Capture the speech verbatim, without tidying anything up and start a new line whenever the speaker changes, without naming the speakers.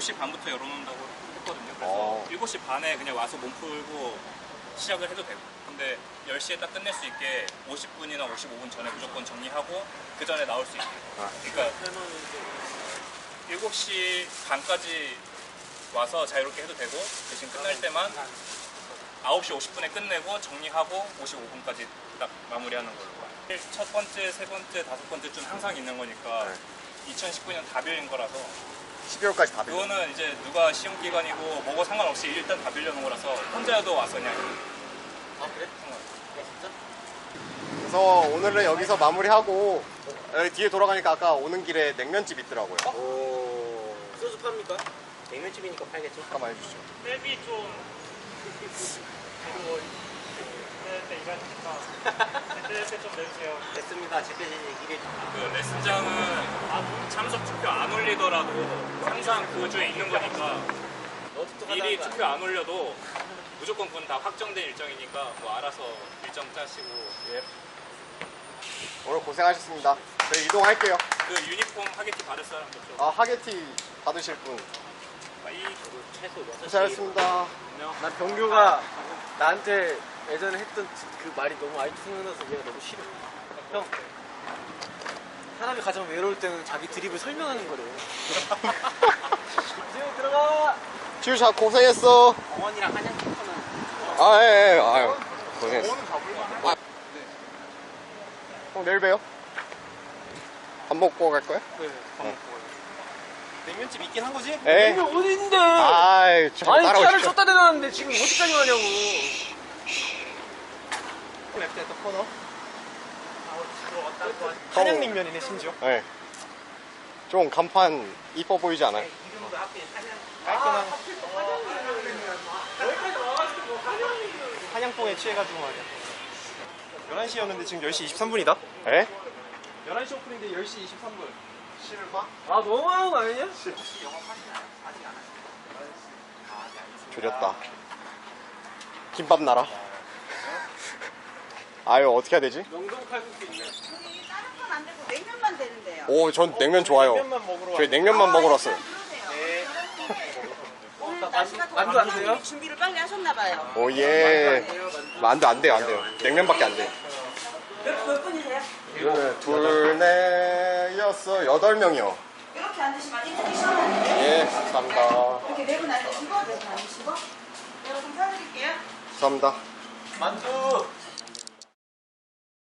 시 반부터 열어놓는다고 했거든요. 그래서
어.
일곱 시 반에 그냥 와서 몸 풀고 시작을 해도 되고, 근데 열 시에 딱 끝낼 수 있게 오십 분이나 오십오 분 전에 무조건 정리하고 그 전에 나올 수 있게.
아.
그러니까 일곱 시 반까지 와서 자유롭게 해도 되고, 대신 끝날 때만 아홉 시 오십 분에 끝내고 정리하고 오십오 분까지 딱 마무리하는 걸로. 첫 번째, 세 번째, 다섯 번째 좀 항상 있는 거니까
네.
이천십구 년 다 빌린 거라서
십이월까지 다 빌려.
그거는 이제 누가 시험 기간이고 뭐고 상관없이 일단 다 빌려놓은 거라서 혼자여도 와서 그냥.
아 그래? 야 진짜?
그래서 오늘은 여기서 마무리하고 여기 뒤에 돌아가니까 아까 오는 길에 냉면집 있더라고요.
오 소주 팝니까? 냉면집이니까 팔겠죠?
잠깐만 해주시죠.
랩이 좀 그리고 그때 일하니까 그때 좀 내주세요.
됐습니다. 집에서 얘기를.
그 레슨장은 참석 투표 안 올리더라도 항상 그 주에 있는 거니까 미리 투표 안 올려도 무조건 그건 다 확정된 일정이니까 뭐 알아서 일정 짜시고.
예. 오늘 고생하셨습니다. 저희 이동할게요.
그 유니폼 하객티 받을 사람도 좀.
아 하게티 받으실 분
이
최소 여섯 시.
고생하셨습니다.
난 병규가 나한테 예전에 했던 그 말이 너무 아직도 생각나서 얘가 너무 싫어. 형, 사람이 가장 외로울 때는 자기 드립을 설명하는 거래. 지금 들어가.
지우샤 고생했어.
어머니랑 한양 캠퍼는.
아, 예, 예. 아유, 고생했어. 아, 형, 내일 봬요. 밥 먹고 갈 거야?
네. 냉면집 있긴 한 거지?
예.
냉면 어디 있는데?
아이, 저
아니 차를
따라오십시오.
쏟다 대놨는데 지금 어디까지 가냐고. 랩대 또 코너. 한양냉면이네 심지어.
예. 좀 간판 이뻐 보이지 않아요?
이름도 하필 한양. 깔끔한. 한양뽕에 취해가지고 말이야. 열한 시였는데 지금 열 시 이십삼 분이다.
예?
열한 시 오픈인데 열 시 이십삼 분.
실마?
아 너무하는 거 아니냐?
조렸다. 김밥 나라. 아유, 어떻게 해야 되지?
명동 칼국수 있네.
여기 다른 건 안 되고 냉면만 되는데요.
오, 전 냉면 좋아요.
냉면만 먹으러
저희 냉면만 먹으러 왔어요.
네. 오늘 날씨가
만두
더워서
안 돼요?
준비를 빨리 하셨나봐요.
오, 예. 안 돼, 안 돼요, 안 돼요. 냉면밖에 안 돼요.
몇, 몇 분이세요?
네, 둘, 넷, 여섯, 여덟 명이요.
이렇게 앉으시면 이틀이 시원한데
예, 감사합니다.
이렇게 네 분 앉으시고 네 분 앉으시고 여러분 사드릴게요.
감사합니다.
만두.